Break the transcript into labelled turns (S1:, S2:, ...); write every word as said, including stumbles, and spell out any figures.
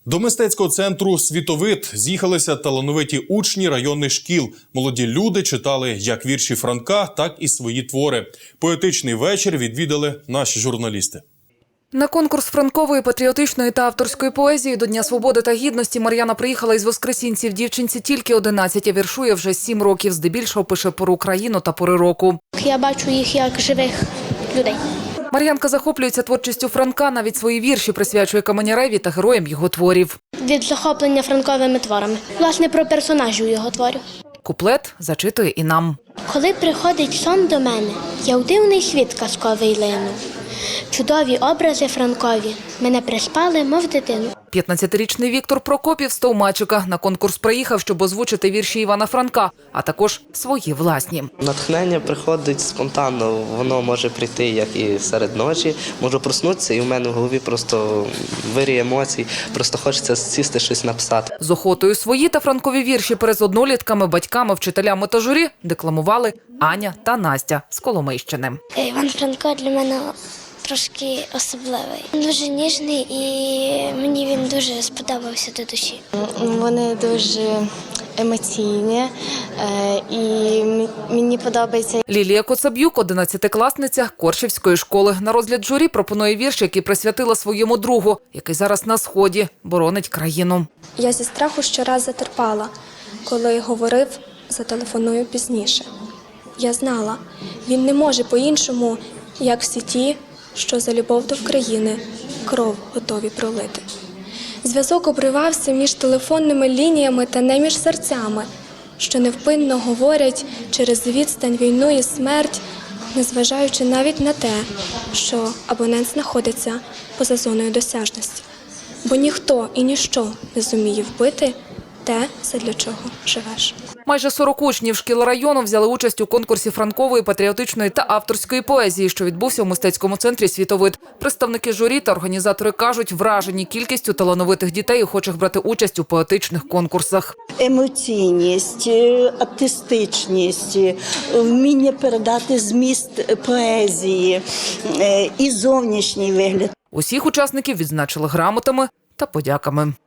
S1: До мистецького центру «Світовид» з'їхалися талановиті учні районних шкіл. Молоді люди читали як вірші Франка, так і свої твори. Поетичний вечір відвідали наші журналісти.
S2: На конкурс франкової, патріотичної та авторської поезії до Дня свободи та гідності Мар'яна приїхала із Воскресінців. Дівчинці тільки одинадцять, а віршує вже сім років. Здебільшого пише пору країну та пори року.
S3: Я бачу їх як живих людей.
S2: Мар'янка захоплюється творчістю Франка, навіть свої вірші присвячує Каменяреві та героям його творів.
S3: Від захоплення франковими творами. Власне, про персонажів його творів.
S2: Куплет зачитує і нам.
S3: Коли приходить сон до мене, я в дивний світ казковий лину. Чудові образи франкові мене приспали, мов дитину.
S2: п'ятнадцятирічний Віктор Прокопів з Товмачика на конкурс приїхав, щоб озвучити вірші Івана Франка, а також свої власні.
S4: Натхнення приходить спонтанно, воно може прийти як і серед ночі, можу проснутися і в мене в голові просто вирій емоцій, просто хочеться сісти щось написати.
S2: З охотою свої та франкові вірші перед однолітками, батьками, вчителями та журі декламували Аня та Настя з Коломийщини.
S3: Іван Франко для мене трошки особливий. Він дуже ніжний і мені він дуже сподобався до душі.
S5: Вони дуже емоційні і мені подобається.
S2: Лілія Коцаб'юк, одинадцятикласниця Коршівської школи. На розгляд журі пропонує вірш, який присвятила своєму другу, який зараз на Сході боронить країну.
S6: Я зі страху щораз затерпала, коли говорив, зателефоную пізніше. Я знала, він не може по-іншому, як всі ті, що за любов до країни кров готові пролити. Зв'язок обривався між телефонними лініями та не між серцями, що невпинно говорять через відстань, війну і смерть, незважаючи навіть на те, що абонент знаходиться поза зоною досяжності. Бо ніхто і ніщо не зуміє вбити те, задля чого живеш.
S2: Майже сорок учнів шкіл району взяли участь у конкурсі франкової, патріотичної та авторської поезії, що відбувся у мистецькому центрі «Світовид». Представники журі та організатори кажуть, вражені кількістю талановитих дітей, охочих брати участь у поетичних конкурсах.
S7: Емоційність, артистичність, вміння передати зміст поезії і зовнішній вигляд.
S2: Усіх учасників відзначили грамотами та подяками.